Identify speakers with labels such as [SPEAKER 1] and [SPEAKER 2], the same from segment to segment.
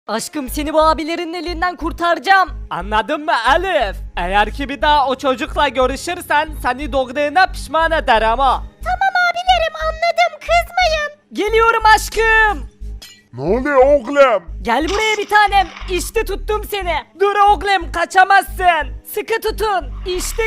[SPEAKER 1] Aşkım seni bu abilerin elinden kurtaracağım.
[SPEAKER 2] Anladın mı Elif? Eğer ki bir daha o çocukla görüşürsen seni doğduğuna pişman eder ama.
[SPEAKER 1] Tamam abilerim anladım kızmayın. Geliyorum aşkım.
[SPEAKER 3] Ne oluyor oğlum?
[SPEAKER 1] Gel buraya bir tanem. İşte tuttum seni. Dur oğlum kaçamazsın. Sıkı tutun. İşte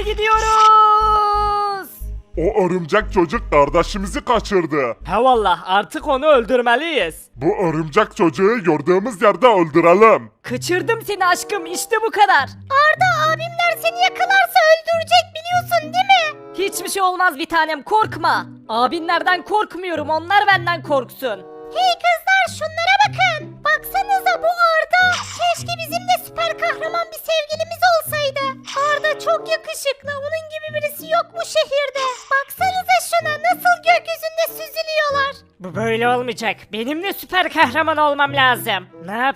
[SPEAKER 1] gidiyoruz.
[SPEAKER 3] O örümcek çocuk kardeşimizi kaçırdı.
[SPEAKER 2] He vallah artık onu öldürmeliyiz.
[SPEAKER 3] Bu örümcek çocuğu gördüğümüz yerde öldürelim.
[SPEAKER 1] Kaçırdım seni aşkım işte bu kadar. Arda abimler seni yakalarsa öldürecek biliyorsun değil mi? Hiçbir şey olmaz bir tanem korkma. Abinlerden korkmuyorum onlar benden korksun. Hey kızlar şunlara bakın. Baksanıza bu Arda. Keşke bizim de süper kahraman bir sevgilimiz olsaydı. Arda çok yakışıklı. Onun gibi birisi yok bu şehirde. Baksanıza şuna nasıl gökyüzünde süzülüyorlar.
[SPEAKER 2] Bu böyle olmayacak. Benim de süper kahraman olmam lazım.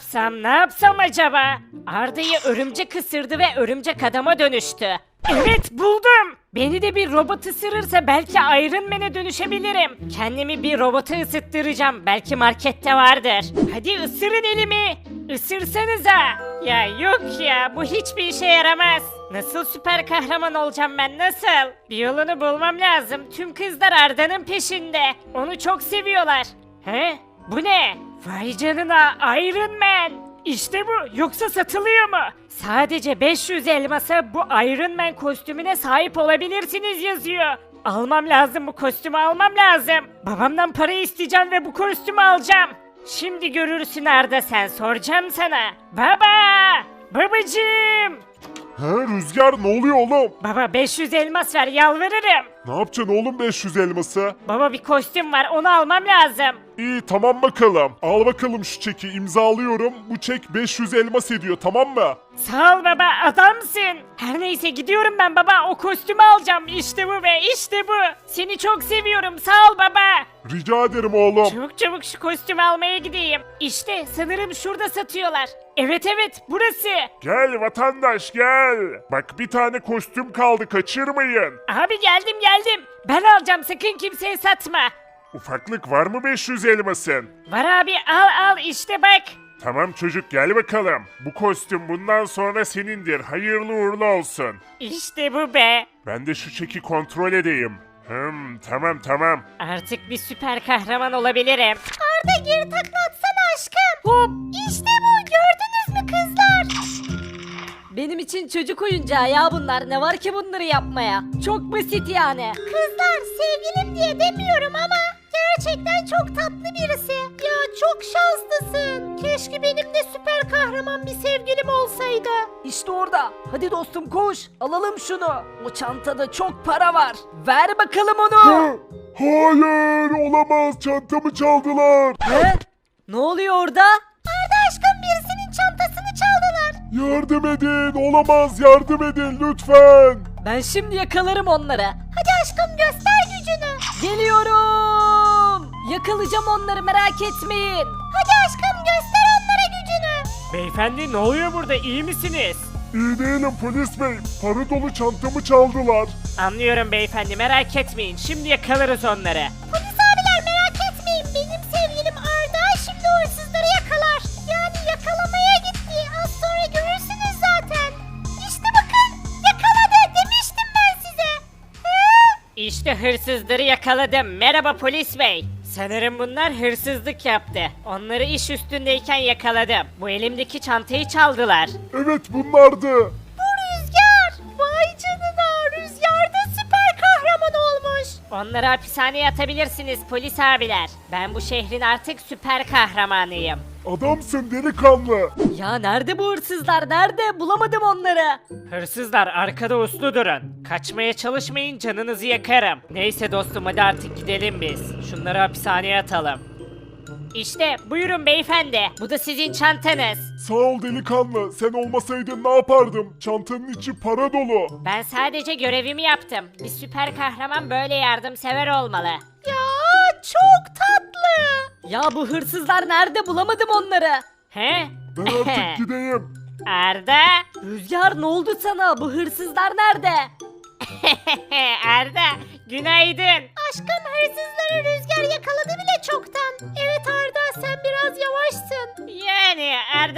[SPEAKER 2] Ne yapsam acaba? Arda'yı örümcek ısırdı ve örümcek adama dönüştü. Evet buldum. Beni de bir robot ısırırsa belki Iron Man'e dönüşebilirim. Kendimi bir robota ısıttıracağım. Belki markette vardır. Hadi ısırın elimi. Isırsanıza. Ya yok ya bu hiçbir işe yaramaz. Nasıl süper kahraman olacağım ben nasıl? Bir yolunu bulmam lazım. Tüm kızlar Arda'nın peşinde. Onu çok seviyorlar. He? Bu ne? Vay canına Iron Man. İşte bu. Yoksa satılıyor mu? Sadece 500 elmasa bu Iron Man kostümüne sahip olabilirsiniz yazıyor. Almam lazım bu kostümü almam lazım. Babamdan para isteyeceğim ve bu kostümü alacağım. Şimdi görürsün Arda sen soracağım sana. Baba! Babacığım!
[SPEAKER 3] He Rüzgar ne oluyor oğlum?
[SPEAKER 2] Baba 500 elmas ver yalvarırım.
[SPEAKER 3] Ne yapacaksın oğlum 500 elması?
[SPEAKER 2] Baba bir kostüm var onu almam lazım.
[SPEAKER 3] İyi tamam bakalım. Al bakalım şu çeki imzalıyorum. Bu çek 500 elmas ediyor tamam mı?
[SPEAKER 2] Sağ ol baba adamsın. Her neyse gidiyorum ben baba o kostümü alacağım. İşte bu be işte bu. Seni çok seviyorum sağ ol baba.
[SPEAKER 3] Rica ederim oğlum.
[SPEAKER 2] Çabuk çabuk şu kostümü almaya gideyim. İşte sanırım şurada satıyorlar. Evet evet burası.
[SPEAKER 3] Gel vatandaş gel. Bak bir tane kostüm kaldı kaçırmayın.
[SPEAKER 2] Abi geldim geldim. Ben alacağım sakın kimseye satma.
[SPEAKER 3] Ufaklık var mı 500 elmasın?
[SPEAKER 2] Var abi al al işte bak.
[SPEAKER 3] Tamam çocuk gel bakalım. Bu kostüm bundan sonra senindir. Hayırlı uğurlu olsun.
[SPEAKER 2] İşte bu be.
[SPEAKER 3] Ben de şu çeki kontrol edeyim. Tamam.
[SPEAKER 2] Artık bir süper kahraman olabilirim.
[SPEAKER 1] Arda geri takla atsana aşkım. Hop. İşte bu gördünüz mü kızlar? Benim için çocuk oyuncağı ya bunlar. Ne var ki bunları yapmaya? Çok basit yani. Kızlar sevgilim diye demiyorum ama gerçekten çok tatlı birisi. Ya çok şanslısın. Keşke benim de süper kahraman bir sevgilim olsaydı. İşte orada. Hadi dostum koş. Alalım şunu. O çantada çok para var. Ver bakalım onu.
[SPEAKER 3] Hayır olamaz çantamı çaldılar.
[SPEAKER 1] He? Ne oluyor orada? Arda aşkım birisinin çantasını çaldılar.
[SPEAKER 3] Yardım edin olamaz yardım edin lütfen.
[SPEAKER 1] Ben şimdi yakalarım onları. Hadi aşkım göster gücünü. Geliyorum. Yakalayacağım onları merak etmeyin. Hadi aşkım göster onlara gücünü.
[SPEAKER 2] Beyefendi ne oluyor burada iyi misiniz?
[SPEAKER 3] İyi değilim polis bey. Para dolu çantamı çaldılar.
[SPEAKER 2] Anlıyorum beyefendi merak etmeyin şimdi yakalarız onları.
[SPEAKER 1] Polis abiler merak etmeyin. Benim sevgilim Arda şimdi o hırsızları yakalar. Yani yakalamaya gitti. Az sonra görürsünüz zaten. İşte bakın yakaladı demiştim ben size.
[SPEAKER 2] İşte hırsızları yakaladım. Merhaba polis bey. Sanırım bunlar hırsızlık yaptı. Onları iş üstündeyken yakaladım. Bu elimdeki çantayı çaldılar.
[SPEAKER 3] Evet bunlardı.
[SPEAKER 1] Bu Rüzgar. Vay canına Rüzgar da süper kahraman olmuş.
[SPEAKER 2] Onları hapishaneye atabilirsiniz polis abiler. Ben bu şehrin artık süper kahramanıyım.
[SPEAKER 3] Adamsın delikanlı.
[SPEAKER 1] Ya nerede bu hırsızlar? Nerede? Bulamadım onları.
[SPEAKER 2] Hırsızlar arkada uslu durun. Kaçmaya çalışmayın canınızı yakarım. Neyse dostum hadi artık gidelim biz. Şunları hapishaneye atalım. İşte buyurun beyefendi. Bu da sizin çantanız.
[SPEAKER 3] Sağ ol delikanlı. Sen olmasaydın ne yapardım? Çantanın içi para dolu.
[SPEAKER 2] Ben sadece görevimi yaptım. Bir süper kahraman böyle yardımsever olmalı.
[SPEAKER 1] Ya çok tatlı. Ya bu hırsızlar nerede? Bulamadım onları.
[SPEAKER 2] He?
[SPEAKER 3] Ben artık gideyim.
[SPEAKER 2] Arda?
[SPEAKER 1] Rüzgar ne oldu sana? Bu hırsızlar nerede?
[SPEAKER 2] Arda, günaydın.
[SPEAKER 1] Aşkım hırsızları Rüzgar yakaladı bile çoktan. Evet Arda sen biraz yavaşsın.
[SPEAKER 2] Yani Arda